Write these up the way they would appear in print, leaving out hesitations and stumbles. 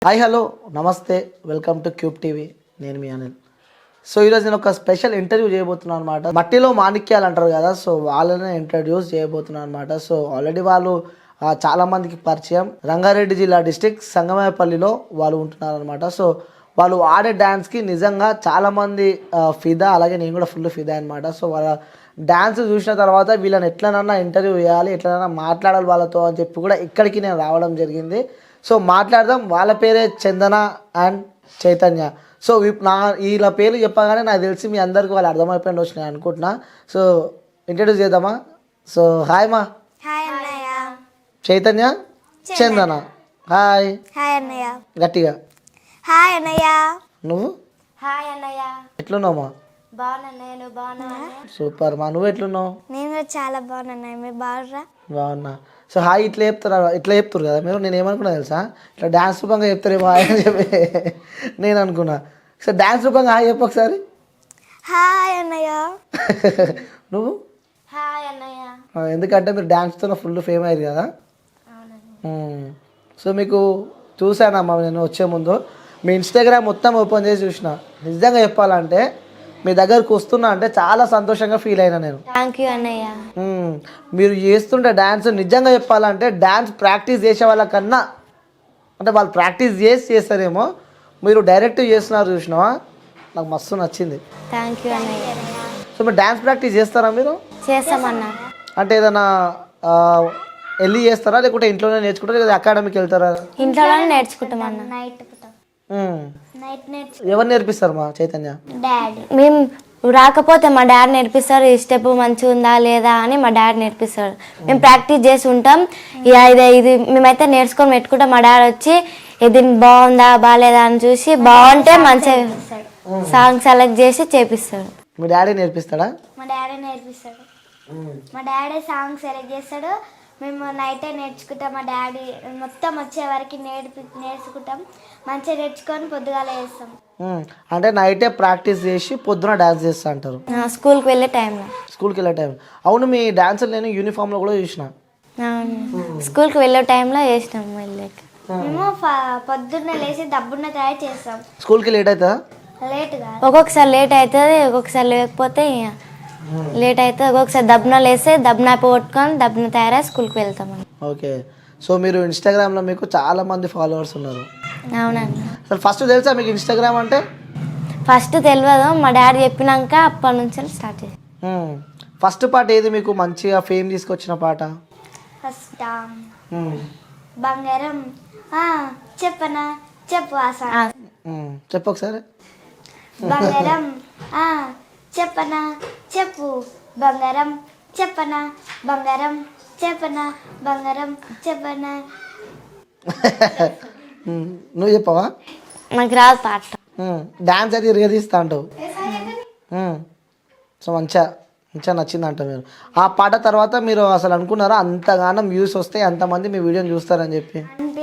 Hi hello నమస్తే welcome to Cube TV. నేను మీ అనిల్. సో ఈరోజు నేను ఒక స్పెషల్ ఇంటర్వ్యూ చేయబోతున్నాను అనమాట. మట్టిలో మాణిక్యాలు అంటారు కదా, సో వాళ్ళనే ఇంట్రడ్యూస్ చేయబోతున్నాను అనమాట. సో ఆల్రెడీ వాళ్ళు చాలామందికి పరిచయం. రంగారెడ్డి జిల్లా డిస్టిక్ సంగమేపల్లిలో వాళ్ళు ఉంటున్నారు అనమాట. సో వాళ్ళు ఆడే డ్యాన్స్కి నిజంగా చాలామంది ఫిదా, అలాగే నేను కూడా ఫుల్ ఫిదా అనమాట. సో వాళ్ళ డ్యాన్స్ చూసిన తర్వాత వీళ్ళని ఎట్లనన్నా ఇంటర్వ్యూ చేయాలి, ఎట్లనన్నా మాట్లాడాలి వాళ్ళతో అని చెప్పి కూడా ఇక్కడికి నేను రావడం జరిగింది. సో మాట్లాడదాం. వాళ్ళ పేరే చందన అండ్ చైతన్య. సో వీళ్ళ పేర్లు చెప్పగానే నాకు తెలిసి మీ అందరికీ వాళ్ళు అర్థమైపోయింది వచ్చినాయి అనుకుంటున్నా. సో ఇంట్రడ్యూస్ చేద్దామా? సో హాయ్ మా. హాయ్ అన్నయ్య. చైతన్య, చందన. హాయ్. హాయ్ అన్నయ్య. గట్టిగా హాయ్ అన్నయ్య. నువ్వు? హాయ్ అన్నయ్య. ఎట్లున్నావు మా? బాగున్నాను. నువ్వు బాగున్నా? సూపర్ మా. నువ్వు ఎట్లున్నావు? నేను కూడా చాలా బాగున్నాను. మీరు బాగురా? బాగున్నా. సో హాయ్ ఇట్లా చెప్తారు కదా మీరు. నేను ఏమనుకున్నా తెలుసా, ఇట్లా డ్యాన్స్ రూపంగా చెప్తారేమో హాయ్ అని చెప్పి నేను అనుకున్నా. సో డ్యాన్స్ రూపంగా హాయ్ చెప్పు ఒకసారి. హాయ్ అన్నయ్య. నువ్వు? హాయ్ అన్నయ్య. ఎందుకంటే మీరు డ్యాన్స్తో ఫుల్ ఫేమ్ అయ్యారు కదా. సో మీకు చూశానమ్మా నేను వచ్చే ముందు మీ ఇన్స్టాగ్రామ్ మొత్తం ఓపెన్ చేసి చూసిన. నిజంగా చెప్పాలంటే మీ దగ్గరకు వస్తున్నా అంటే చాలా సంతోషంగా ఫీల్ అయినా నేను. థ్యాంక్ యూ అన్నయ్య. మీరు చేస్తుంటే డ్యాన్స్ నిజంగా చెప్పాలంటే డ్యాన్స్ ప్రాక్టీస్ చేసే వాళ్ళకన్నా, అంటే వాళ్ళు ప్రాక్టీస్ చేస్తారేమో, మీరు డైరెక్ట్ చేస్తున్నారు చూసినావా, నాకు మస్తు నచ్చింది. థ్యాంక్ యూ అన్నయ్య. సో మీరు డ్యాన్స్ ప్రాక్టీస్ చేస్తారా? మీరు చేస్తామన్నా. అంటే ఏదైనా వెళ్ళి చేస్తారా, లేకుంటే ఇంట్లోనే నేర్చుకుంటారా, లేదా అకాడమీకి వెళ్తారా? ఇంట్లోనే నేర్చుకుంటామన్నా. ఎవరు నేర్పిస్తారు మా చైతన్య? డాడీ. మేము రాకపోతే మా డాడీ నేర్పిస్తారు. ఈ స్టెప్ మంచిగా ఉందా లేదా అని మా డాడీ నేర్పిస్తారు. మేము ప్రాక్టీస్ చేసి ఉంటాం. ఇది మేమైతే నేర్చుకొని పెట్టుకుంటాం. మా డాడీ వచ్చి ఇది బాగుందా బాగాలేదా అని చూసి బాగుంటే మంచిగా సాంగ్ సెలెక్ట్ చేసి చేపిస్తాడు. మీ డాడీ నేర్పిస్తాడా? మా డాడీ నేర్పిస్తాడు. మా డాడీ సాంగ్ సెలెక్ట్ చేస్తాడు. మేము నైటే నేర్చుకుంటాం. మా డాడీ మొత్తం వచ్చే వరకు నేర్చుకుంటాం. మంచిగా నేర్చుకొని పొద్దుగాల చేస్తాం. అంటే నైటే ప్రాక్టీస్ చేసి పొద్దున డాన్స్ చేస్తా అంటారు స్కూల్కి వెళ్ళే టైంలో. స్కూల్కి వెళ్ళే టైం. అవును, మీ డాన్స్ నేను యూనిఫామ్లో కూడా చూసిన. స్కూల్కి వెళ్ళే టైంలో చేసినాం. మేము పొద్దున్నే లేచి దబ్బున్న తయారు చేస్తాం. స్కూల్కి లేట్ అవుతుందా? లేట్ కాదు, ఒక్కొక్కసారి లేట్ అవుతుంది, ఒక్కొక్కసారి లేకపోతే లేట్ అవుతుంది. ఒక్కొక్కసారి దబ్బున లేస్తే దబ్బున కొట్టుకొని దబ్బున తయారై స్కూల్కి వెళ్తాం. ఓకే. సో మీరు ఇన్స్టాగ్రామ్లో మీకు చాలా మంది ఫాలోవర్స్ ఉన్నారు. అవునండి. అసలు ఫస్ట్ తెలుసా మీకు ఇన్స్టాగ్రామ్ అంటే? ఫస్ట్ తెలియదు. మా డాడీ చెప్పినాక అప్పటి నుంచి స్టార్ట్ చేసి. ఫస్ట్ పాట ఏది మీకు మంచిగా ఫేమ్ తీసుకొచ్చిన పాట? ఫస్ట్ బంగారం చెప్పనా చెప్పు ఆశ. చెప్పు ఒకసారి. బంగారం చెప్పనా చెప్పు బంగారం చెప్పనా బంగారం చెప్పనా బంగారం చెప్పనా. నువ్వు చెప్పవా? నాకు రాదు పాట. డాన్స్ అది రిగదీస్తా అంటావు. సో మంచిగా నచ్చింది అంట. మీరు ఆ పాట తర్వాత మీరు అసలు అనుకున్నారా అంతగానం వ్యూస్ వస్తాయి, అంతమంది మీ వీడియోని చూస్తారని చెప్పి?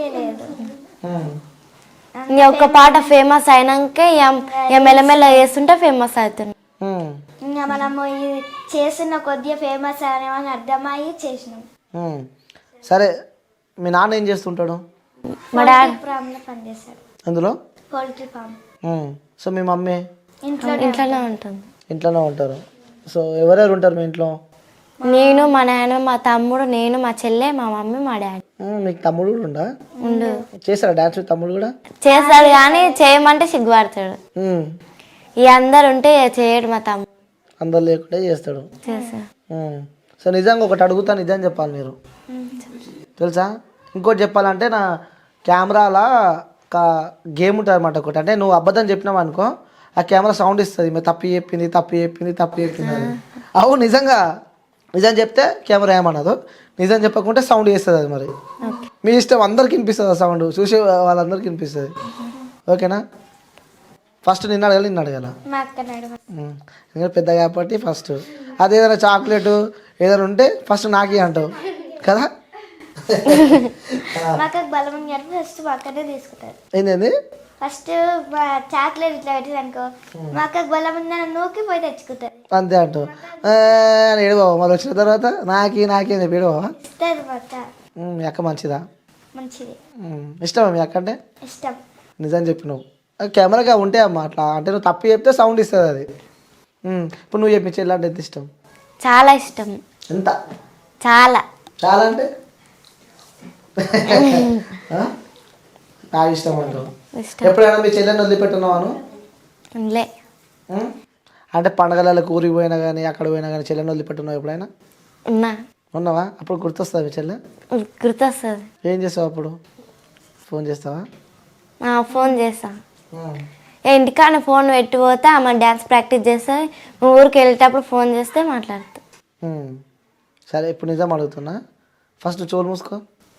ఒక పాట ఫేమస్ అయినాక మెల్లమెల్ల చేస్తుంటే ఫేమస్ అవుతుంది. ఇంకా మనము చేస్తున్న కొద్దిగా ఫేమస్ అనేమని అర్థమయ్యి చేసినాం. సరే, మీ నాన్న ఏం చేస్తుంటాడు? మా డాడీ పనిచేస్తాడు. అందులో పోల్ట్రీ ఫామ్. సో మీ మమ్మీ ఇంట్లోనే ఉంటుంది. ఇంట్లోనే ఉంటారు. సో ఎవరెవరు ఉంటారు మీ ఇంట్లో? నేను, మా నాన్న, మా తమ్ముడు, నేను, మా చెల్లె, మా మమ్మీ, మా డాడీ. మీకు తమ్ముడు కూడా ఉండా? ఉండు. చేస్తారా డాన్స్? తమ్ముడు కూడా చేస్తాడు కానీ చేయమంటే సిగ్గుపడతాడు. ఈ అందరు ఉంటే చేయడు. మా తమ్ముడు అందరు లేకుంటే చేస్తాడు. సో నిజంగా ఒకటి అడుగుతా, నిజం చెప్పాలి మీరు. తెలుసా? ఇంకోటి చెప్పాలంటే నా కెమెరాలో ఒక గేమ్ ఉంటుంది అనమాట ఒకటి. అంటే నువ్వు అబద్ధం చెప్పినావు అనుకో, ఆ కెమెరా సౌండ్ ఇస్తుంది. మీరు తప్పు చెప్పింది అని. అవును, నిజం చెప్తే కెమెరా ఏమన్నదు, నిజం చెప్పకుంటే సౌండ్ చేస్తుంది. అది మరి మీ ఇష్టం. అందరికి వినిపిస్తుంది ఆ సౌండ్, చూసే వాళ్ళందరికీ వినిపిస్తుంది. ఓకేనా? ఫస్ట్ నిన్ను అడగాల ఎందుకంటే పెద్ద కాబట్టి ఫస్ట్. అది ఏదైనా చాక్లెట్ ఏదైనా ఉంటే ఫస్ట్ నాకే అంటావు కదా. ఏంటండి? ఫస్ట్ చాక్లెట్ ఇట్లా పెట్టింది అనుకో, మా అక్కకు బలం ఉందని నూకి పోయి తెచ్చుకుంటారు. అంతే అంటావు. ఏడబావా మళ్ళీ వచ్చిన తర్వాత నాకేం చెప్పి ఏడబావా? ఇస్తారు మా అక్క. మీ అక్క మంచిదా? మంచిది. ఇష్టమా మీ అక్క అంటే? ఇష్టం. నిజం చెప్పినావు కెమెరాగా ఉంటే అమ్మా అట్లా అంటే నువ్వు తప్పు చెప్తే సౌండ్ ఇస్తుంది అది ఇప్పుడు నువ్వు చెప్పి చెల్లి అంటే ఎంత ఇష్టం చాలా ఇష్టం, ఎంత చాలా చాలా అంటే ఆ? నాకు ఇష్టం అంటావు ఇష్టం. ఎప్పుడైనా మీ చెల్లెని వదిలిపెట్టున్నావాను లే అంటే పండగలకు ఊరికి పోయినా కానీ అక్కడ పోయినా కానీ చెల్లెని వదిలిపెట్టున్నావు ఎప్పుడైనా ఉన్నా, ఉన్నావా అప్పుడు గుర్తొస్తుంది మీ చెల్లె గుర్తొస్తుంది. ఏం చేస్తావు అప్పుడు ఫోన్ చేస్తావా ఫోన్ చేస్తా, ఇంటికాడ ఫోన్ పెట్టిపోతే ఆమె డ్యాన్స్ ప్రాక్టీస్ చేస్తే ఊరికి వెళ్ళేటప్పుడు ఫోన్ చేస్తే మాట్లాడుతా. సరే ఇప్పుడు నిజం అడుగుతున్నా ఫస్ట్ చోలు మూసుకో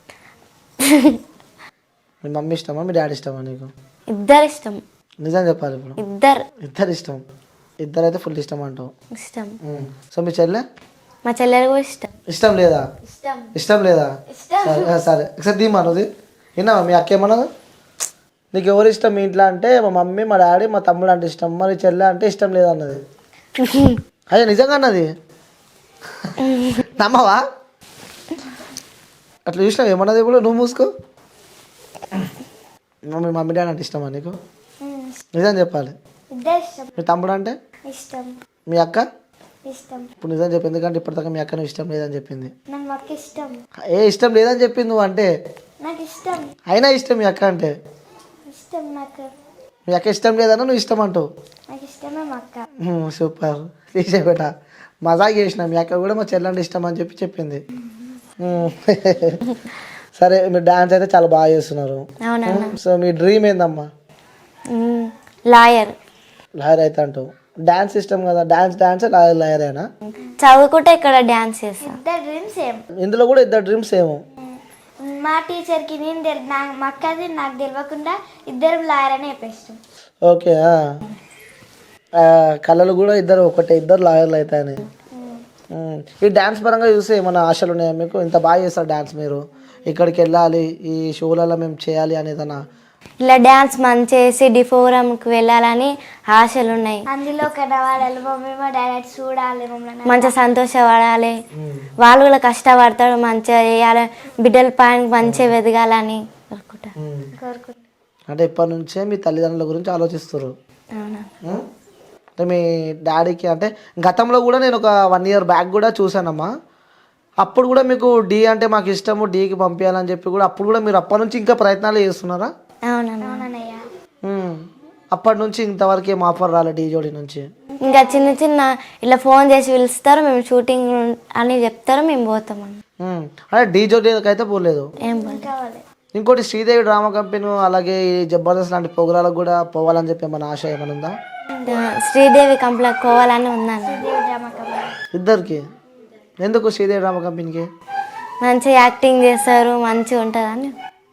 మీ మమ్మీ ఇష్టమా మీ డాడీ ఇష్టమా నీకు ఇద్దరు ఇష్టం, నిజం చెప్పాలి ఇప్పుడు ఇద్దరు ఇష్టం ఇద్దరు అయితే ఫుల్ ఇష్టం అంటావు ఇష్టం. సో మీ చెల్లె మా చెల్లెలు కూడా ఇష్టం. ఇష్టం లేదా ఇష్టం ఇష్టం లేదా సరే సరే ఒకసారి దీమన్నది విన్నావా మీ అక్క ఏమన్నది నీకు ఎవరు ఇష్టం మీ ఇంట్లో అంటే మా మమ్మీ మా డాడీ మా తమ్ముడు అంటే ఇష్టం మరి చెల్లె అంటే ఇష్టం లేదన్నది అయ్యా నిజంగా అన్నది నమ్మవా అట్లా చూసినావు ఏమన్నది ఇప్పుడు నువ్వు మూసుకో మీ మమ్మీ డాడీ అంటే ఇష్టమా నీకు నిజం చెప్పాలి మీ తమ్ముడు అంటే ఇష్టం, మీ అక్క ఇష్టం. ఇప్పుడు నిజం చెప్పి ఎందుకంటే ఇప్పటిదాకా మీ అక్క నువ్వు ఇష్టం లేదని చెప్పింది నాకు ఇష్టం, ఇష్టం లేదని చెప్పింది నువ్వు అంటే నాకు ఇష్టం, అయినా ఇష్టం మీ అక్క అంటే ఇష్టం. నాకు మీ అక్క ఇష్టం లేదన్నా నువ్వు ఇష్టం అంటావు నాకు ఇష్టమే మా అక్క. సూపర్ తీసేబెట మజాక్ చేసిన మీ అక్క కూడా మా చెల్లంటే ఇష్టం అని చెప్పి చెప్పింది సరే మీరు డాన్స్ అయితే చాలా బాగా చేస్తున్నారు సో మీ డ్రీమ్ ఏందమ్మా లాయర్ లాయర్ అయితే అంటావు డాన్స్ ఇష్టం కదా డాన్స్ లాయర్ అయినా చదువుకుంటే ఇక్కడ డాన్స్ చేస్తా. ఇద్దరు డ్రీమ్స్ సేమ్, ఇందులో కూడా ఇద్దరు డ్రీమ్స్ ఏమో మా టీచర్కి నేను మా అక్కది నాకు తెలియకుండా ఇద్దరు లాయర్ అని చెప్పేస్తాం. ఓకే కళలు కూడా ఇద్దరు ఒకటే ఇద్దరు లాయర్లు అవుతాయని ఈ డ్యాన్స్ పరంగా చూస్తే ఏమైనా ఆశలు ఉన్నాయా మీకు ఇంత బాగా చేస్తారు డ్యాన్స్ మీరు ఇక్కడికి వెళ్ళాలి ఈ షోలలో మేము చేయాలి అనేదన్నా ఇలా డ్యాన్స్ మంచి చేసి డిఫోరంకి వెళ్ళాలని ఆశలు ఉన్నాయి. అందులో కనవాడాలి మమ్మీ మా డాడీ చూడాలి మంచిగా సంతోషపడాలి వాళ్ళు కూడా కష్టపడతారు మంచిగా చేయాలి బిడ్డల పైన మంచిగా ఎదగాలని కోరుకుంటా. అంటే ఇప్పటి నుంచే మీ తల్లిదండ్రుల గురించి ఆలోచిస్తారు అంటే మీ డాడీకి అంటే గతంలో కూడా నేను ఒక 1 year బ్యాక్ కూడా చూసానమ్మా అప్పుడు కూడా మీకు డి అంటే మాకు ఇష్టము డీకి పంపించాలని చెప్పి కూడా అప్పుడు కూడా మీరు అప్పటి నుంచి ఇంకా ప్రయత్నాలు చేస్తున్నారా అప్పటి నుంచి ఇంతవరకు ఏం ఆఫర్ రాలే డీ జోడి నుంచి ఇంకా చిన్న చిన్న ఇలా ఫోన్ చేసి పిలుస్తారు మేము షూటింగ్ అని చెప్తారు మేము పోతాం అంటే డీ జోడికి అయితే పోలేదు ఏం ఇంకోటి శ్రీదేవి డ్రామా కంపెనీ అలాగే ఈ జబర్దస్త్ లాంటి ప్రోగ్రాలకు కూడా పోవాలని చెప్పి ఏమైనా ఆశ ఏమైనా ఉందా శ్రీదేవి కంపెనీ పోవాలని ఉందండి ఇద్దరికి ఎందుకు శ్రీదేవి డ్రామా కంపెనీకి మంచిగా యాక్టింగ్ చేస్తారు మంచిగా ఉంటుందని.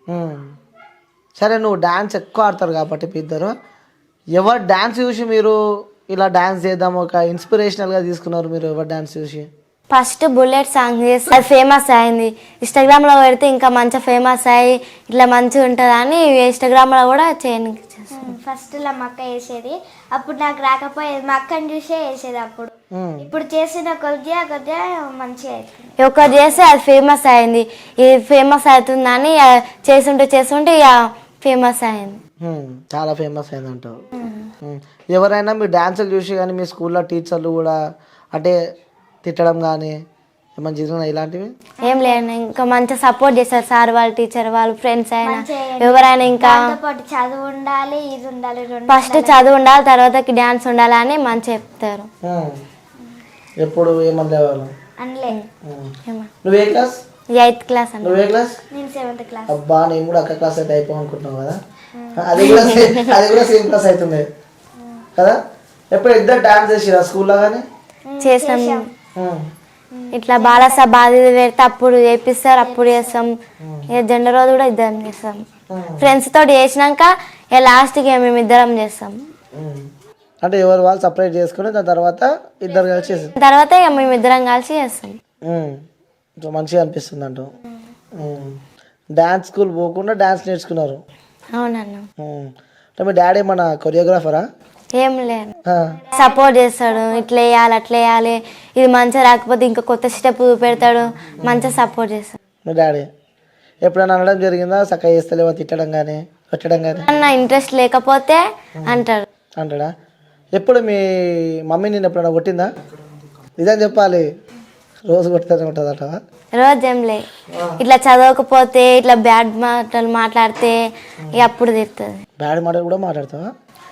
సరే నువ్వు డ్యాన్స్ ఎక్కువ ఆడతారు కాబట్టి మీ ఇద్దరు ఎవరు డ్యాన్స్ చూసి మీరు ఇలా డ్యాన్స్ చేద్దాం ఒక ఇన్స్పిరేషనల్గా తీసుకున్నారు మీరు ఎవరు డ్యాన్స్ చూసి ఫస్ట్ బుల్లెట్ సాంగ్ చేసి అది ఫేమస్ అయింది ఇన్స్టాగ్రామ్లో పెడితే ఇంకా మంచిగా ఫేమస్ అయ్యి ఇట్లా మంచిగా ఉంటుందని ఇన్స్టాగ్రామ్లో కూడా చేయడానికి ఫస్ట్ ఇలా మా అక్క వేసేది అప్పుడు నాకు రాకపోయేది మా అక్కని చూసే వేసేది అప్పుడు ఇప్పుడు చేసిన కొద్దిగా మంచిగా అవుతుంది ఒకటి చేస్తే అది ఫేమస్ అయింది ఇది ఫేమస్ అవుతుందని చేస్తుంటే ఇక ఫేమస్ అయింది చాలా ఫేమస్ అయింది అంటావు ఎవరైనా మీ డ్యాన్సులు చూసి కానీ మీ స్కూల్లో టీచర్లు కూడా అంటే తిట్టడం కానీ ఏమైనా జరిగినా ఇలాంటివి ఏం లేదు ఇంకా మంచిగా సపోర్ట్ చేస్తారు సార్ వాళ్ళు టీచర్ వాళ్ళు ఫ్రెండ్స్ అయినా ఎవరైనా ఇంకా చదువు ఉండాలి ఇది ఉండాలి ఫస్ట్ చదువు ఉండాలి తర్వాతకి డ్యాన్స్ ఉండాలి అని మంచిగా చెప్తారు ఎప్పుడు ఏమన్నా అనలే నువ్వు ఏ క్లాస్ 8th క్లాస్ అన్న నువ్వు ఏ క్లాస్ నేను 7th క్లాస్ అబ్బా నేను కూడా అక్క క్లాస్ అయితే అయిపో అనుకుంటున్నావు కదా అది కూడా సేమ్ క్లాస్ అవుతుంది కదా ఎప్పుడు ఇద్దరు డాన్స్ చేసిరా స్కూల్లో కానీ చేసాం ఇట్లా బాలస బాధ్యత పెడితే అప్పుడు చేపిస్తారు అప్పుడు చేస్తాం ఇక జెండర్ రోజు కూడా ఇద్దరం చేస్తాం ఫ్రెండ్స్ తోటి చేసినాక ఇక లాస్ట్కి మేము ఇద్దరం చేస్తాం అంటే ఎవరు వాళ్ళు సపరేట్ చేసుకుని దాని తర్వాత ఇద్దరు కలిసి చేస్తాం తర్వాత ఇక మేము ఇద్దరం కలిసి చేస్తాం సో మంచిగా అనిపిస్తుంది అంటూ డ్యాన్స్ స్కూల్ పోకుండా డ్యాన్స్ నేర్చుకున్నారు అవునన్నా అంటే మీ డాడీ మన కొరియోగ్రాఫరా ఏం లేదు సపోర్ట్ చేస్తాడు ఇట్లా వేయాలి అట్లా వేయాలి ఇది మంచిగా రాకపోతే ఇంకా కొత్త స్టెప్ పెడతాడు మంచిగా సపోర్ట్ చేస్తాడు మీ డాడీ ఎప్పుడైనా అనడం జరిగిందా చక్కగా చేస్తలేవో తిట్టడం కానీ కొట్టడం కానీ అన్న ఇంట్రెస్ట్ లేకపోతే అంటాడు. అంటాడా? ఎప్పుడు మీ మమ్మీ నేను ఎప్పుడైనా కొట్టిందా? నిజం చెప్పాలి, రోజు కొట్టుతూనే ఉంటుంది అంటావా? రోజు ఏం లే, ఇట్లా చదవకపోతే ఇట్లా బ్యాడ్ మాటలు మాట్లాడితే ఇక అప్పుడు తిడుతుంది. బ్యాడ్ మాటలు కూడా మాట్లాడతావా?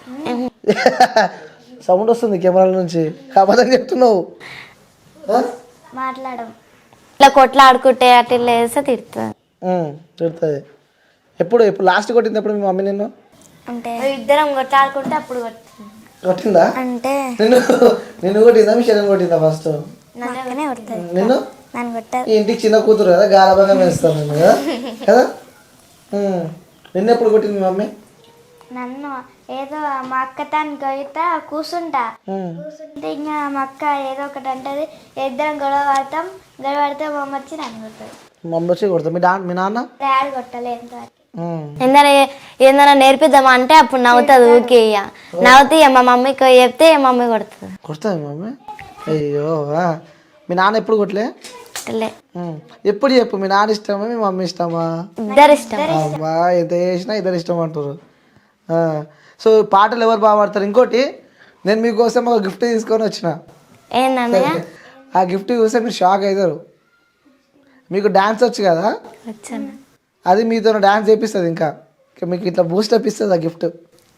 సౌండ్ వస్తుంది కెమెరాల నుంచి, అబద్ధం చెప్తున్నావు. మాట్లాడడం ఇట్లా కొట్లాడుకుంటే అట్లా ఇట్లా వేస్తే తిడుతుంది. తిడుతుంది. ఎప్పుడు లాస్ట్ కొట్టింది ఎప్పుడు మీ మమ్మీ నిన్ను? అంటే ఇద్దరం కొట్లాడుకుంటే అప్పుడు కొట్టిందా? అంటే నిన్ను కొట్టిందా మీ శరీరం కొట్టిందా ఫస్ట్? నిన్ను ఈ ఇంటికి చిన్న కూతురు కదా, గారాబంగా వేస్తాను నేను కదా కదా. నిన్ను ఎప్పుడు కొట్టింది మీ మమ్మీ? నన్ను ఏదో మా అక్క తాను గొయ్యితా కూర్చుంటే ఇంకా మా అక్క ఏదో ఒకటి అంటది, ఇద్దరం గొడవ పడితే మా అమ్మ వచ్చి నన్ను కొడుతుంది. మమ్మీ వచ్చి కొడుతుంది. మీ నాన్న? డాడీ కొట్టలేదు. ఏదైనా నేర్పిద్దామా అంటే అప్పుడు నవ్వుతుంది ఊకే. ఇక నవ్వుతే మా మమ్మీకి చెప్తే మమ్మీ కొడుతుంది. కొడుతుంది మమ్మీ? అయ్యో, మీ నాన్న ఎప్పుడు కొట్టలే? ఎప్పుడు చెప్పు, మీ నాన్న ఇష్టమా మీ మమ్మీ ఇష్టమా? ఇద్దరు ఇష్టం. అమ్మా, ఎంత చేసినా ఇద్దరు ఇష్టం అంటారు. సో పాటలు ఎవరు బాగా పాడతారు? ఇంకోటి, నేను మీకోసం ఒక గిఫ్ట్ తీసుకొని వచ్చిన. ఏంటన్నయ్య? ఆ గిఫ్ట్ చూస్తే మీరు షాక్ అవుతారు. మీకు డాన్స్ వచ్చు కదా, అది మీతో డాన్స్ చేపిస్తుంది. ఇంకా మీకు ఇట్లా బూస్టప్ ఇస్తుంది ఆ గిఫ్ట్.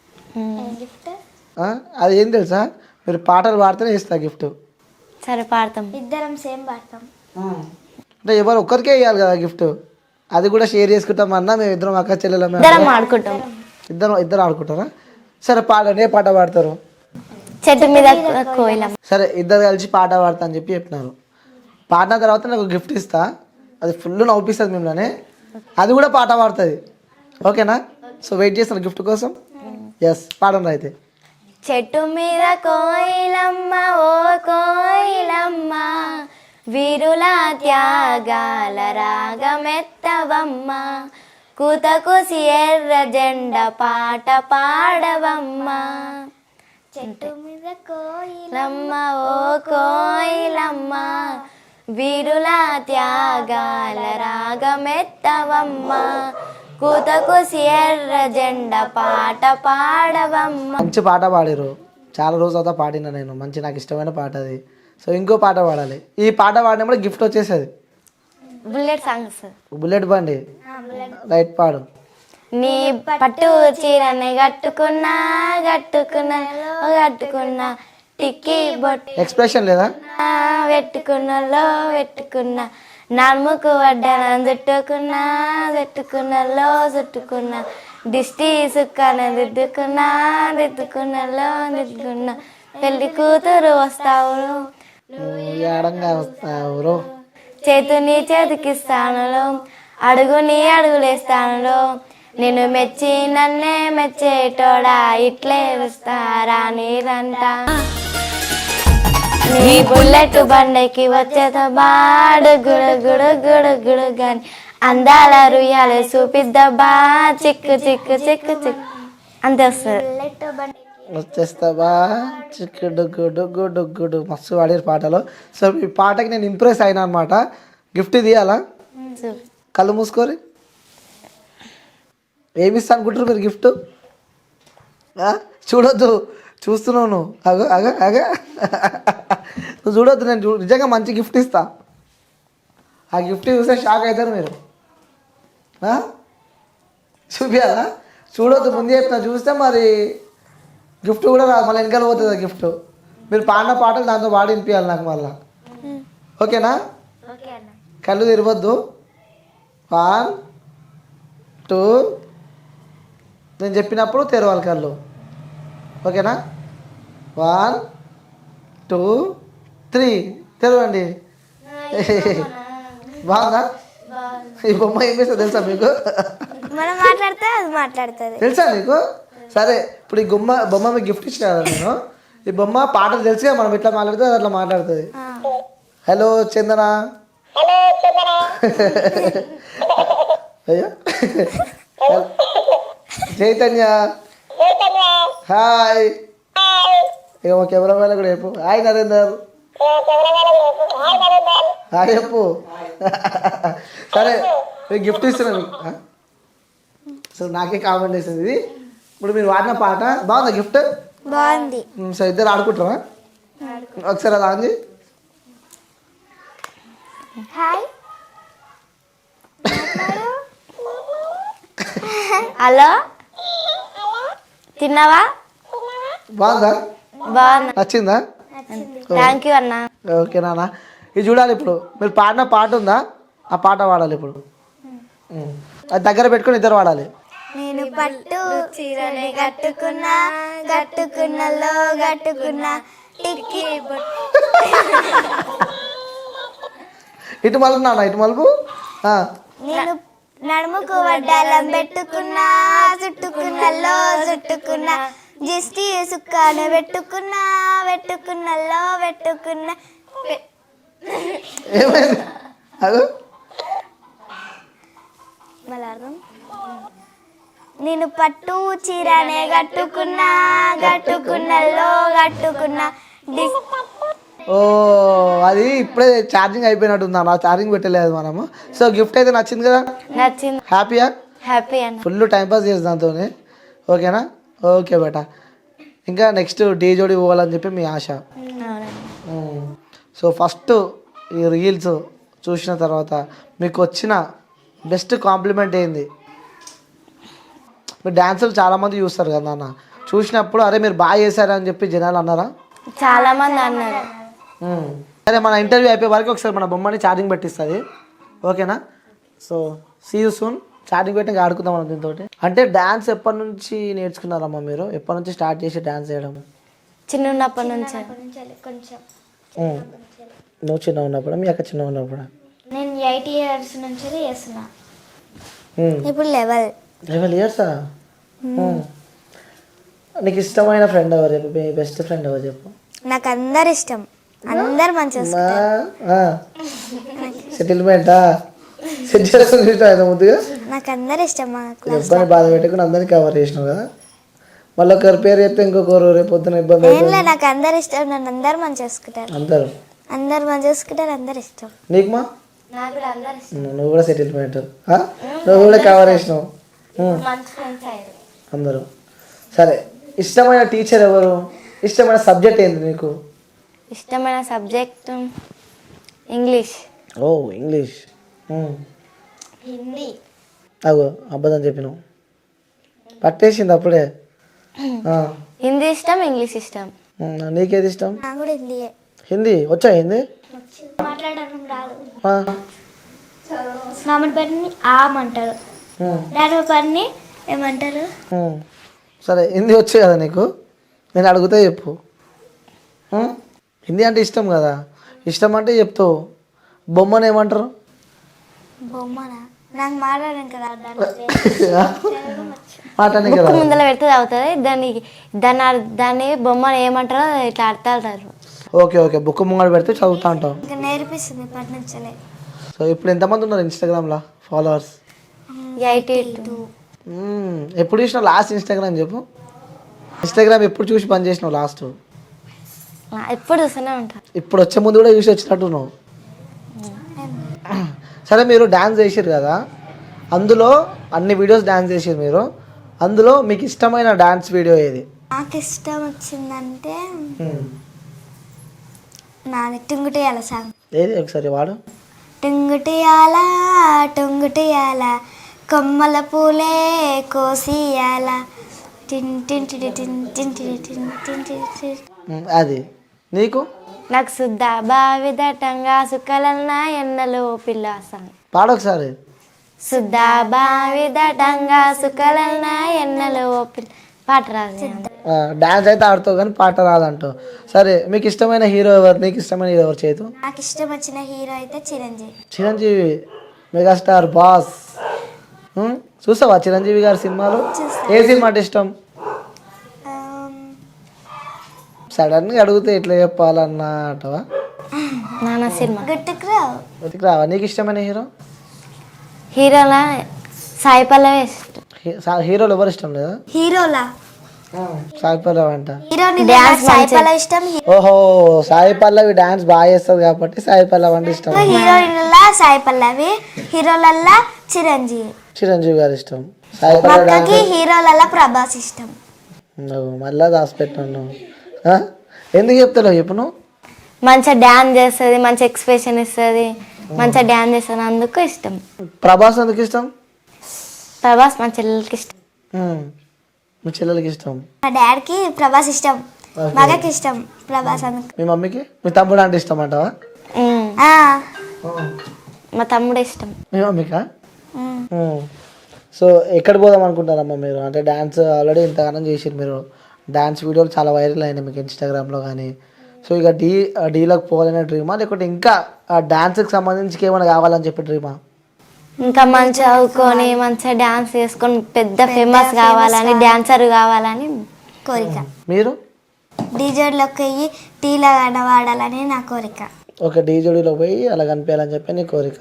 అది ఏం తెలుసా, మీరు పాటలు పాడితేనే ఇస్తా గిఫ్ట్. సరే పాడతాం, ఇద్దరం సేమ్ పాడతాం. అంటే ఎవరు ఒక్కరికే ఇవ్వాలి కదా గిఫ్ట్, అది కూడా షేర్ చేసుకుంటాం అన్నా. మేము ఇద్దరం అక్క చెల్లెలు ఇద్దరం ఆడుకుంటాం. ఇద్దరు ఆడుకుంటారా? సరే పాడండి, ఏ పాట పాడతారు? చెట్టు మీద కోయిలం. సరే ఇద్దరు కలిసి పాట పాడతా అని చెప్పినారు. పాడిన తర్వాత నాకు గిఫ్ట్ ఇస్తా, అది ఫుల్ నవ్విస్తుంది మిమ్మల్ని. అది కూడా పాట పాడుతుంది, ఓకేనా? సో వెయిట్ చేస్తాను గిఫ్ట్ కోసం. ఎస్, పాడండి అయితే. చెట్టు మీద కోయిలమ్మ ఓ కోయిలమ్మ, వీరుల త్యాగాల రాగమెత్తవమ్మ, కూతకుసి ఎర్ర జెండ పాట పాడవమ్మ. చెట్టు మీద కోయిలమ్మ ఓ కోయిలమ్మ, వీరుల త్యాగాల రాగమెత్తవమ్మ, కూతకుసి ఎర్ర జెండ పాట పాడవమ్మ. మంచి పాట పాడారు, చాలా రోజుల తర్వాత పాడినా నేను. మంచి నాకు ఇష్టమైన పాట అది. సో ఇంకో పాట పాడాలి. ఈ పాట పాడినప్పుడు గిఫ్ట్ వచ్చేసేది. Bullet songs. బుల్లెట్ బండి, రైట్, పాడు. నీ పట్టు చీరని కట్టుకున్నా కట్టుకున్నా టిక్కీ బొట్టు ఎక్స్ప్రెషన్ లేదా? పెట్టుకున్నా నడుముకు వడ్డన చుట్టుకున్నా దిష్టి సుక్కన దిద్దుకున్నా పెళ్లి కూతురు వస్తావు, చేతుని చేతికిస్తాను, అడుగుని అడుగులేస్తాను, నేను మెచ్చి నన్నే మెచ్చేటోడా, ఇట్లే వస్తారా నీరంట. నీ బుల్లెట్ బండకి వచ్చేత బాడు గుడు గుడు గుడు గుడు గాని, అందాల రుయ్యాలే చూపిద్దబ్బా, చిక్కు చిక్కు చిక్కు చిక్కు అంతే వస్తుంది. వచ్చేస్తావా, చిక్కు డొగ్గు డొగ్గు డొగ్గుడు. మస్తు పాడారు పాటలో. సో ఈ పాటకి నేను ఇంప్రెస్ అయినా అనమాట. గిఫ్ట్ తీయాలా? కళ్ళు మూసుకోరి. ఏమిస్తా అనుకుంటారు మీరు గిఫ్ట్? చూడొద్దు, చూస్తున్నావు నువ్వు. అగ నువ్వు చూడొద్దు, నేను నిజంగా మంచి గిఫ్ట్ ఇస్తా. ఆ గిఫ్ట్ చూస్తే షాక్ అవుతారు మీరు. చూపియాలా? చూడొద్దు, ముందు చెప్తున్నా. చూస్తే మరి గిఫ్ట్ కూడా రాదు, మళ్ళీ వెనకాల పోతుంది ఆ గిఫ్ట్. మీరు పాడిన పాటలు దాంతో పాడి వినిపించాలి నాకు మళ్ళా, ఓకేనా? కళ్ళు తెరవద్దు. 1 2 నేను చెప్పినప్పుడు తెరవాలి కళ్ళు, ఓకేనా? 1 2 3 తెరవండి. బాగుందా? ఈ బొమ్మ ఏం చేస్తా తెలుసా మీకు? తెలుసా నీకు? సరే, ఇప్పుడు ఈ బొమ్మ మీకు గిఫ్ట్ ఇచ్చిన కదా నేను. ఈ బొమ్మ పాటలు తెలుసుగా, మనం ఇట్లా మాట్లాడితే అట్లా మాట్లాడుతుంది. హలో చందన, అయ్యో చైతన్య, హాయ్. ఇక మా కెమెరా వాళ్ళ కూడా చెప్పు హాయ్ నరేందర్, హాయ్ చెప్పు. సరే గిఫ్ట్ ఇస్తున్నా మీకు. సో నాకే కామెంట్ చేసింది ఇది. ఇప్పుడు మీరు వాడిన పాట బాగుందా గిఫ్ట్? బాగుంది. సో ఇద్దరు ఆడుకుంటారా? ఒకసారి అది ఆన్ చేయి. హాయ్ హలో తిన్నావా? బాగుందా? బాగున్నా. నచ్చిందా? థ్యాంక్ యూ అన్న. ఓకే నాన్న, ఇది చూడాలి. ఇప్పుడు మీరు పాడిన పాట ఉందా, ఆ పాట పాడాలి ఇప్పుడు. అది దగ్గర పెట్టుకొని ఇద్దరు పాడాలి. నేను పట్టు చీరనే కట్టుకున్నా కట్టుకున్నలో కట్టుకున్నా టిక్కి ఇటు మలుపు నాన్న, ఇటు మలుపు. నేను నడుముకు వడ్డాలం పెట్టుకున్నా చుట్టుకున్నలో చుట్టుకున్నా జిస్టి సుక్కాను పెట్టుకున్నా పెట్టుకున్నలో పెట్టుకున్నా ఏమైంది? అదో నేను పట్టు చీరనే కట్టుకున్నా కట్టుకున్నలో కట్టుకున్నా ఓ అది ఇప్పుడే ఛార్జింగ్ అయిపోయినట్టుందా? నా ఛార్జింగ్ పెట్టలేదు మనము. సో గిఫ్ట్ అయితే నచ్చింది కదా? నచ్చింది. హ్యాపీయా? హ్యాపీ అన్న. ఫుల్ టైంపాస్ చేసి దాంతో. ఓకేనా? ఓకే బేటా. ఇంకా నెక్స్ట్ డీ జోడి పోవాలని చెప్పి మీ ఆశ. సో ఫస్ట్ ఈ రీల్స్ చూసిన తర్వాత మీకు వచ్చిన బెస్ట్ కాంప్లిమెంట్ ఏంది? మీరు డ్యాన్సులు చాలామంది చూస్తారు కదా నాన్న, చూసినప్పుడు అరే మీరు బాగా చేశారని చెప్పి జనాలు అన్నారా? చాలా మంది అన్నారు. సరే, మన ఇంటర్వ్యూ అయిపోయే వరకు ఒకసారి మన బొమ్మని ఛార్జింగ్ పెట్టిస్తుంది. ఓకేనా? So see you soon. Charging పెట్టి ఆడుకుందాం మనం దీంతో. అంటే డ్యాన్స్ ఎప్పటి నుంచి నేర్చుకున్నారమ్మా మీరు? ఎప్పటి నుంచి స్టార్ట్ చేసి డ్యాన్స్ చేయడం? చిన్నప్పటి నుంచి. కొంచెం నువ్వు చిన్న ఉన్నప్పుడు, మీ అక్క చిన్న ఉన్నప్పుడు? నేను 8 years నుంచి చేస్తున్నా. ఇప్పుడు 11 ఇయర్సా? నీకు ఇష్టమైన ఫ్రెండ్ ఎవరు చెప్పు? మీ బెస్ట్ ఫ్రెండ్ ఎవరు చెప్పు? నాకు అందరు ఇష్టం, అందరు మంచిగా. సెటిల్మెంటా? సెట్ చేస్తుంది ముద్దుగా. నాకు అందరు ఇష్టం. ఇబ్బంది బాధ పెట్టుకుని అందరినీ కవర్ చేసినావు కదా. మళ్ళీ ఒకరి పేరు చెప్తే ఇంకొకరు రేపు పొద్దున ఇబ్బంది. నాకు అందరు ఇష్టం, నన్ను అందరు మంచి చేసుకుంటారు. అందరు మంచి చేసుకుంటారు, అందరు ఇష్టం. నీకు మా? నువ్వు కూడా సెటిల్మెంట్, నువ్వు కూడా కవర్ చేసినావు అందరూ. సరే, ఇష్టమైన టీచర్ ఎవరు? ఇష్టమైన సబ్జెక్ట్ ఏంది నీకు? ఇష్టమైన సబ్జెక్ట్ ఇంగ్లీష్. ఓ ఇంగ్లీష్. హిందీ. అగో అబద్ధం చెప్పినావు, పట్టేసింది అప్పుడే. హిందీ ఇష్టం, ఇంగ్లీష్ ఇష్టం. నీకేది ఇష్టం? నాకు కూడా హిందీయే. హిందీ వచ్చా? హిందీ మాట్లాడడం రాదు. మామూలు పని ఆమంటారు, దాని పని ఏమంటారు? సరే, హిందీ వచ్చు కదా నీకు? నేను అడిగితే చెప్పు. హిందీ అంటే ఇష్టం కదా, ఇష్టం అంటే చెప్తావు. బొమ్మను ఏమంటారు? బొమ్మనా? నాకు మాట్లాడడం కదా, మాట్లాడడానికి కదా. ముందర పెడితే అవుతుంది. దాన్ని బొమ్మను ఏమంటారో ఇట్లా అర్థాలు. ఓకే ఓకే, బుక్ ముంగడ పెడితే చదువుతా ఉంటాం. ఇంకా నేర్పిస్తుంది ఇప్పటి నుంచే. సో ఇప్పుడు ఎంతమంది ఉన్నారు ఇన్స్టాగ్రామ్లో ఫాలోవర్స్? 82. ఎప్పుడు చూసినావు లాస్ట్ ఇన్స్టాగ్రామ్ చెప్పు? ఇన్స్టాగ్రామ్ ఎప్పుడు చూసి పని చేసినావు లాస్ట్? ఎప్పుడు చూస్తూనే ఉంటా. ఇప్పుడు వచ్చే ముందు కూడా చూసి వచ్చినట్టు నువ్వు. సరే, మీరు డ్యాన్స్ చేసారు కదా, అందులో అన్ని వీడియోస్ డ్యాన్స్ చేసారు మీరు, అందులో మీకు ఇష్టమైన డ్యాన్స్ వీడియో ఏది? నాకు ఇష్టం వచ్చిందంటే నాది టుంగుటియాల సాంగ్. ఏది ఒకసారి వాడు. టుంగుటియాల టుంగుటియాల కొమ్మల పూలే కోసియాల అది నీకు? నాకు శుద్ధ బావి దట్టంగా సుక్కలన్నా ఎన్నలో పిల్ల సాంగ్. పాడు ఒకసారి. శుద్ధ బావి దట్టంగా సుక్కలన్నా ఎన్నలో పిల్ల. పాట రాదు. డాన్స్ అయితే ఆడుతావు కానీ పాట రాదంటావు. సరే, మీకు ఇష్టమైన హీరో ఎవరు? నీకు ఇష్టమైన హీరో ఎవరు చేతు? నాకు ఇష్టం వచ్చిన హీరో అయితే చిరంజీవి. Chiranjeevi megastar boss. చూసావా చిరంజీవి గారి సినిమాలు? ఏ సినిమా అంటే ఇష్టం? సడన్గా అడిగితే ఎట్లా చెప్పాలన్నా అంటవా? నాన్న సినిమా గుర్తుకు రావా? నీకు ఇష్టమైన హీరో? హీరోలా సాయి పల్లవి ఇష్టం. హీరోలు ఎవరు ఇష్టం లేదా? హీరోలా సాయి పల్లవి అంట. సాయి పల్లవి ఇష్టం. ఓహో, సాయి పల్లవి డాన్స్ బాగా చేస్తుంది కాబట్టి సాయి పల్లవి అంటే ఇష్టం. హీరోయిన్లా సాయి పల్లవి, హీరోలల్లా చిరంజీవి. చిరంజీవి గారు ఇష్టం. సాయి మా పల్లవి అక్కకి హీరోలలో ప్రభాస్ ఇష్టం. నువ్వు మళ్ళా దాచిపెట్టాను ఎందుకు చెప్తావు చెప్పు నువ్వు మంచిగా డ్యాన్స్ చేస్తుంది, మంచి ఎక్స్ప్రెషన్ ఇస్తుంది, మంచిగా డ్యాన్స్ చేస్తుంది, అందుకు ఇష్టం. ప్రభాస్ ఎందుకు ఇష్టం? ప్రభాస్ మా చెల్లెలకి ఇష్టం. మీ చెల్లెలకి ఇష్టం. మా డాడీకి ప్రభాస్ ఇష్టం, మా అక్కకి ఇష్టం ప్రభాస్ అందుకు. మీ మమ్మీకి మీ తమ్ముడు అంటే ఇష్టం అంటావా? ఉమ్. ఆ, మా తమ్ముడు ఇష్టం. మీ మమ్మీకా? ఉమ్. సో ఎక్కడ పోదాం అనుకుంటారమ్మా మీరు? అంటే డ్యాన్స్ ఆల్రెడీ ఇంతగానం చేసిరు మీరు, డ్యాన్స్ వీడియోలు చాలా వైరల్ అయినాయి మీకు ఇన్స్టాగ్రామ్లో కానీ. సో ఇక డీలోకి పోవాలనే డ్రీమా, లేకుంటే ఇంకా డ్యాన్స్కి సంబంధించి ఏమైనా కావాలని చెప్పి డ్రీమా? ఇంకా మంచిగా చదువుకొని మంచిగా డ్యాన్స్ చేసుకొని పెద్ద ఫేమస్ కావాలని, డాన్సర్ కావాలని కోరిక. మీరు? డీజోడ్లోకి వెళ్ళి టీలా వాడాలని నా కోరిక. ఒక డీజోడీలో పోయి అలా కనిపించాలని చెప్పి నీ కోరిక.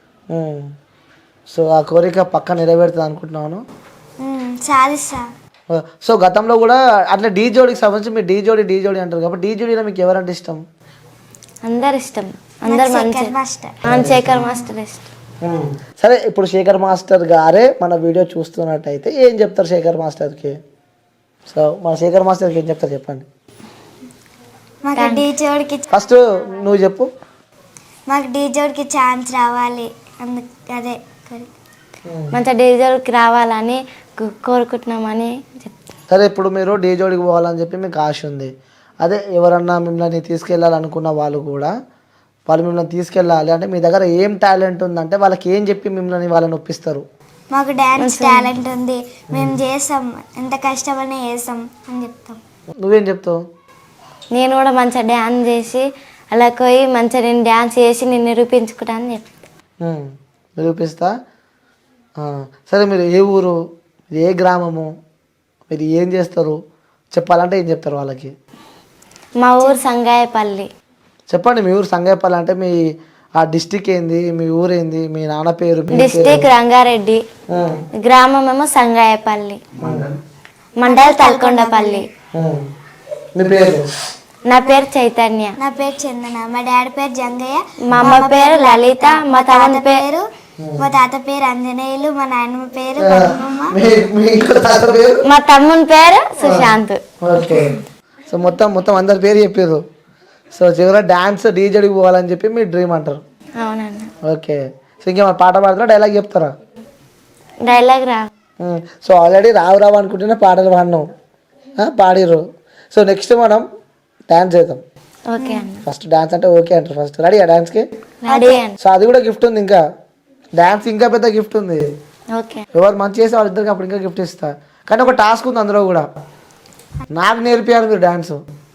సో ఆ కోరిక పక్క నెరవేరుతుంది అనుకుంటున్నాను. సాధిస్తా. సో గతంలో కూడా అట్లా డీజోడీకి సంబంధించి మీరు డీజోడీ అంటారు కాబట్టి డీజోడీలో మీకు ఎవరంటే ఇష్టం? అందరు ఇష్టం, అందరు మంచి మాస్టర్. శేఖర్ మాస్టర్ ఇష్టం. సరే, ఇప్పుడు శేఖర్ మాస్టర్ గారే మన వీడియో చూస్తున్నట్టయితే ఏం చెప్తారు శేఖర్ మాస్టర్కి? సో మన శేఖర్ మాస్టర్కి ఏం చెప్తారు చెప్పండి. మాకు డీజోడ్కి ఫస్ట్ నువ్వు చెప్పు. మాకు డీజోడ్కి ఛాన్స్ రావాలి, అందుకు అదే కోరిక. మంచిగా డీజేకి రావాలని కోరుకుంటున్నామని చెప్తాను. సరే, ఇప్పుడు మీరు డీజోడికి పోవాలని చెప్పి మీకు ఆశ ఉంది. అదే ఎవరన్నా మిమ్మల్ని తీసుకెళ్ళాలనుకున్న వాళ్ళు కూడా, వాళ్ళు మిమ్మల్ని తీసుకెళ్ళాలి అంటే మీ దగ్గర ఏం టాలెంట్ ఉందంటే వాళ్ళకి ఏం చెప్పి మిమ్మల్ని వాళ్ళని ఒప్పిస్తారు? మాకు డ్యాన్స్ టాలెంట్ ఉంది, మేము చేస్తాం, ఎంత కష్టపడినా చేస్తాం అని చెప్తాం. నువ్వేం చెప్తావు? నేను కూడా మంచిగా డ్యాన్స్ చేసి అలా పోయి మంచిగా నేను డ్యాన్స్ చేసి నేను నిరూపించుకుంటానని చెప్తాను. నిరూపిస్తా. సరే, మీరు ఏ ఊరు, మీరు ఏ గ్రామము, మీరు ఏం చేస్తారు చెప్పాలంటే ఏం చెప్తారు వాళ్ళకి? మా ఊరు సంగాయపల్లి. చెప్పండి. మీ ఊరు సంగాయపల్లి అంటే మీ ఆ డిస్టిక్ ఏంది, మీ ఊరేంది, మీ నాన్న పేరు? డిస్టిక్ రంగారెడ్డి, గ్రామం ఏమో సంగాయపల్లి, మండల్ తల్కొండపల్లి. మీ పేరు? నా పేరు చైతన్య. నా పేరు చందన, మా డాడీ పేరు జంగయ్య, మా అమ్మ పేరు లలిత, మా తమ్ముని పేరు మా తాత పేరు ఆంజనేయులు, మా నాయనమ్మ పేరు పద్మమ్మ. మా తమ్ముని పేరు సుశాంత్. ఓకే. సో మొత్తం అందరి పేరు చెప్పారు. సో చివరి డాన్స్ డీజేడికి పోవాలని చెప్పి మీ డ్రీమ్ అంటారు. అవునన్నా. ఓకే. సో ఇంకేమైనా పాట పాడతారా, డైలాగ్ చెప్తారా? డైలాగ్ రా. సో ఆల్రెడీ రావు అనుకుంటేనే పాటలు పాడినాం, పాడిర్రు. సో నెక్స్ట్ మనం డ్యాన్స్ చేద్దాం. ఓకే అన్న. ఫస్ట్ డ్యాన్స్ అంటే ఓకే అంటారు. ఫస్ట్ రెడీ ఆ డ్యాన్స్కి? రెడీ అన్న. సో అది కూడా గిఫ్ట్ ఉంది, ఇంకా డ్యాన్స్ ఇంకా పెద్ద గిఫ్ట్ ఉంది. ఓకే. ఎవరు మంచి చేస్తే వాళ్ళిద్దరికి అప్పుడు ఇంకా గిఫ్ట్ ఇస్తా. కానీ ఒక టాస్క్ ఉంది అందులో కూడా, నాకు నేర్పియాలి మీరు డ్యాన్స్.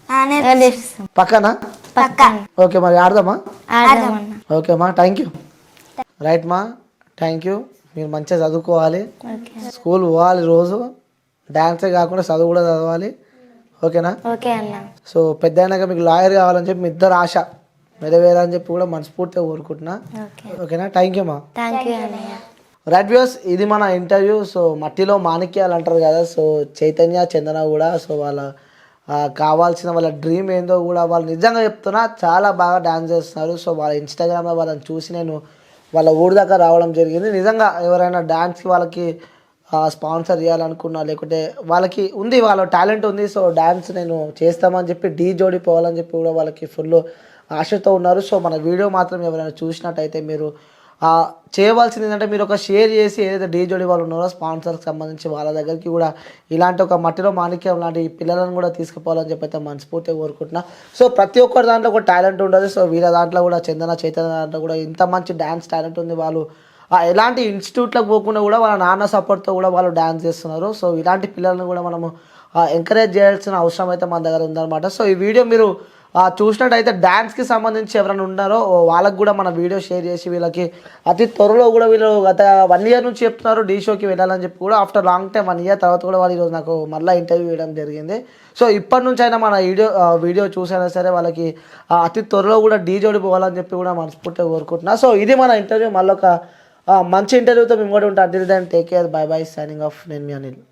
పక్కనా? ఓకే, మరి ఆడదామా? ఆడదామన్నా. ఓకే మా, థ్యాంక్ యూ. రైట్ మా, థ్యాంక్ యూ. మీరు మంచిగా చదువుకోవాలి, స్కూల్ పోవాలి రోజు, డ్యాన్సే కాకుండా చదువు కూడా చదవాలి. ఓకేనా? ఓకే అన్న. సో పెద్ద అయినాక మీకు లాయర్ కావాలని చెప్పి మీ ఇద్దరు ఆశ నెరవేరాలని చెప్పి కూడా మనస్ఫూర్తిగా కోరుకుంటున్నా. ఓకేనా? థ్యాంక్ యూ మా. థ్యాంక్ యూ అన్నయ్య. రైట్ వ్యూస్, ఇది మన ఇంటర్వ్యూ. సో మట్టిలో మాణిక్యాలు అంటారు కదా, సో చైతన్య చందన కూడా, సో వాళ్ళ కావాల్సిన వాళ్ళ డ్రీమ్ ఏందో కూడా వాళ్ళు నిజంగా చెప్తున్నా చాలా బాగా డ్యాన్స్ చేస్తున్నారు. సో వాళ్ళ ఇన్స్టాగ్రామ్లో వాళ్ళని చూసి నేను వాళ్ళ ఊరి దాకా రావడం జరిగింది. నిజంగా ఎవరైనా డ్యాన్స్కి వాళ్ళకి స్పాన్సర్ చేయాలనుకున్నా, లేకుంటే వాళ్ళకి ఉంది, వాళ్ళ టాలెంట్ ఉంది, సో డ్యాన్స్ నేను చేస్తామని చెప్పి డీజోడి పోవాలని చెప్పి కూడా వాళ్ళకి ఫుల్ ఆశతో ఉన్నారు. సో మన వీడియో మాత్రం ఎవరైనా చూసినట్టయితే మీరు చేయవలసింది ఏంటంటే మీరు ఒక షేర్ చేసి ఏదైతే డీజోడి వాళ్ళు ఉన్నారో స్పాన్సర్కి సంబంధించి వాళ్ళ దగ్గరికి కూడా ఇలాంటి ఒక మట్టిలో మాణిక్యం లాంటి పిల్లలను కూడా తీసుకుపోవాలని చెప్పి అయితే మనస్ఫూర్తిగా కోరుకుంటున్నా. సో ప్రతి ఒక్కరి దాంట్లో ఒక టాలెంట్ ఉండదు. సో వీళ్ళ దాంట్లో కూడా చైతన్య దాంట్లో కూడా ఇంత మంచి డ్యాన్స్ టాలెంట్ ఉంది. వాళ్ళు ఎలాంటి ఇన్స్టిట్యూట్లకు పోకుండా కూడా వాళ్ళ నాన్న సపోర్ట్తో కూడా వాళ్ళు డ్యాన్స్ చేస్తున్నారు. సో ఇలాంటి పిల్లలను కూడా మనము ఎంకరేజ్ చేయాల్సిన అవసరం అయితే మన దగ్గర ఉందన్నమాట. సో ఈ వీడియో మీరు చూసినట్టయితే డ్యాన్స్కి సంబంధించి ఎవరైనా ఉన్నారో వాళ్ళకు కూడా మన వీడియో షేర్ చేసి వీళ్ళకి అతి త్వరలో కూడా వీళ్ళు గత 1 year నుంచి చెప్తున్నారు డీ షోకి వెళ్ళాలని చెప్పి కూడా, ఆఫ్టర్ లాంగ్ టైం 1 year తర్వాత కూడా వాళ్ళు ఈరోజు నాకు మళ్ళీ ఇంటర్వ్యూ ఇవ్వడం జరిగింది. సో ఇప్పటి నుంచి అయినా మన వీడియో చూసైనా సరే వాళ్ళకి అతి త్వరలో కూడా డీజోడి పోవాలని చెప్పి కూడా మనస్ఫూర్తిగా కోరుకుంటున్నా. సో ఇది మన ఇంటర్వ్యూ. మళ్ళీ ఒక మంచి ఇంటర్వ్యూతో మేము కూడా ఉంటాం. Until then take care, bye bye, signing off. నేను మీ అనిల్.